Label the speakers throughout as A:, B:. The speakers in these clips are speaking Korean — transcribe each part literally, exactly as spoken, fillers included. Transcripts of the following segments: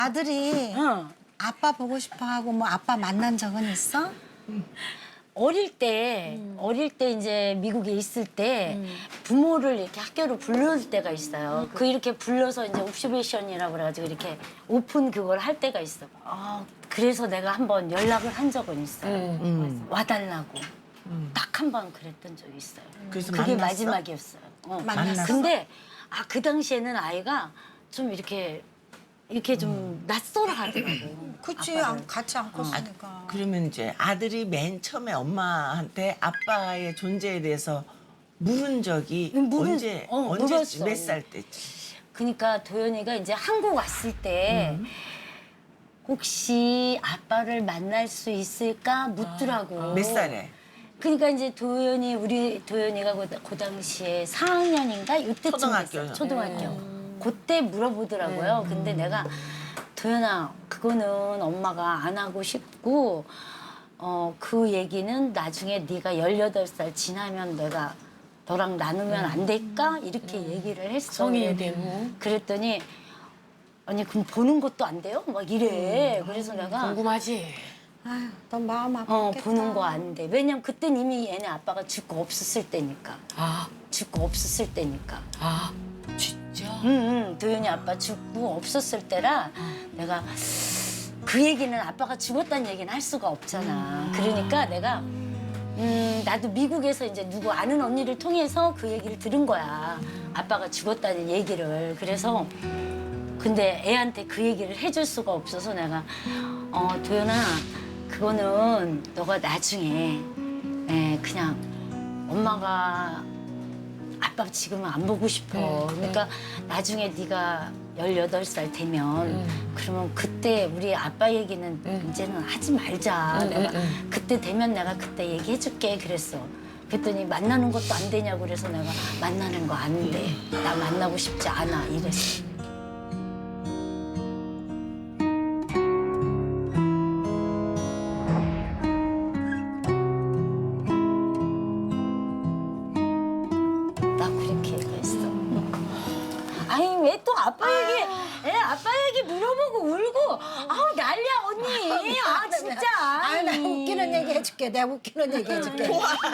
A: 아들이
B: 어.
A: 아빠 보고 싶어 하고 뭐 아빠 만난 적은 있어?
B: 어릴 때, 어릴 때 이제 미국에 있을 때 부모를 이렇게 학교로 불러올 때가 있어요. 그 이렇게 불러서 이제 옵시베이션이라고 그래가지고 이렇게 오픈 그걸 할 때가 있어. 아, 그래서 내가 한번 연락을 한 적은 있어요.
C: 음.
B: 와달라고. 딱 한 번 그랬던 적이 있어요.
C: 그래서
B: 그게
C: 만났어?
B: 마지막이었어요. 어.
A: 만났어?
B: 근데 아, 그 당시에는 아이가 좀 이렇게 이렇게 좀 낯설어 하더라고.
A: 그치,
B: 아빠를.
A: 안- 같이 안 컸으니까.
C: 그러면 이제 아들이 맨 처음에 엄마한테 아빠의 존재에 대해서 물은 적이
B: 물은-
C: 언제
B: 어,
C: 언제
B: 물었어.
C: 몇 살 때지?
B: 그러니까 도연이가 이제 한국 왔을 때 혹시 아빠를 만날 수 있을까 묻더라고.
C: 몇 살에?
B: 그러니까 이제 도연이 우리 도연이가 그, 그 당시에 사 학년인가 이때쯤
C: 초등학교.
B: 됐어요. 초등학교. 그때 물어보더라고요. 근데 내가 도연아 그거는 엄마가 안 하고 싶고 어, 그 얘기는 나중에 네가 열여덟 살 지나면 내가 너랑 나누면 안 될까? 이렇게 얘기를 했어.
D: 성인이 되고.
B: 그랬더니 아니 그럼 보는 것도 안 돼요? 막 이래. 그래서 내가
D: 궁금하지?
A: 아휴, 너 마음 아팠겠다.
B: 어 보는 거 안 돼. 왜냐면 그땐 이미 얘네 아빠가 죽고 없었을 때니까.
D: 아,
B: 죽고 없었을 때니까.
D: 아, 진짜?
B: 응, 응. 도연이 아빠 죽고 없었을 때라 내가 그 얘기는 아빠가 죽었다는 얘기는 할 수가 없잖아. 그러니까 내가 음 나도 미국에서 이제 누구 아는 언니를 통해서 그 얘기를 들은 거야. 아빠가 죽었다는 얘기를. 그래서 근데 애한테 그 얘기를 해줄 수가 없어서 내가 어 도연아 그거는 너가 나중에 에, 그냥 엄마가 아빠 지금은 안 보고 싶어. 그러니까 나중에 네가 열여덟 살 되면 그러면 그때 우리 아빠 얘기는 이제는 하지 말자. 내가 그때 되면 내가 그때 얘기해줄게 그랬어. 그랬더니 만나는 것도 안 되냐고 그래서 내가 만나는 거 안 돼. 나 만나고 싶지 않아 이랬어. 나 그렇게 얘기했어. 아니 왜 또 아빠 얘기, 애 아빠 얘기 물어보고 울고, 아우 난리야 언니. 아 진짜.
A: 아니, 나 웃기는 얘기 해줄게. 내가 웃기는 얘기 해줄게.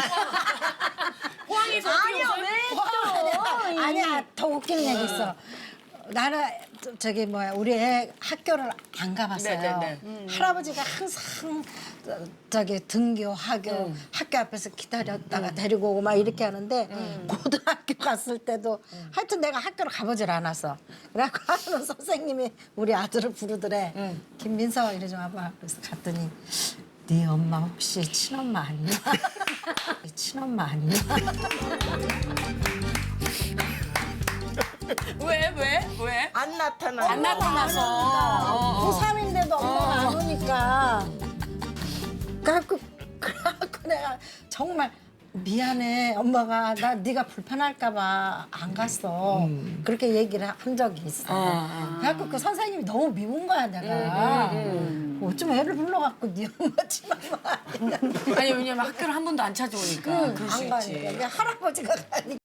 D: 호황에서
B: 아니야 왜 또?
A: 아니야, 더 웃기는 얘기 있어. 나는 저- 저기 뭐야 우리 애 학교를 안 가봤어요.
D: 네네네.
A: 할아버지가 항상 저- 저기 등교, 하교, 학교 앞에서 기다렸다가 데리고 오고 막 이렇게 하는데 고등학교 갔을 때도 하여튼 내가 학교를 가보질 않았어. 그래갖고 하는 선생님이 우리 아들을 부르더래. 김민서 이리 좀 와봐. 그래서 갔더니 네 엄마 혹시 친엄마 아니야? 친엄마 아니야?
D: 왜, 왜, 왜?
C: 안 나타나.
D: 안 나타나서.
A: 고삼인데도 엄마가 안 오니까. 그래갖고, 그래갖고 내가 정말 미안해. 엄마가 나 네가 불편할까 봐 안 갔어. 그렇게 얘기를 한 적이 있어. 그래갖고 그 선생님이 너무 미운 거야, 내가. 어쩜 애를 불러갖고 네 엄마 친엄마 아니야.
D: 아니, 왜냐면 학교를 한 번도 안 찾아오니까. 그럴 수
A: 안
D: 있지.
A: 가니까. 할아버지가 가니까.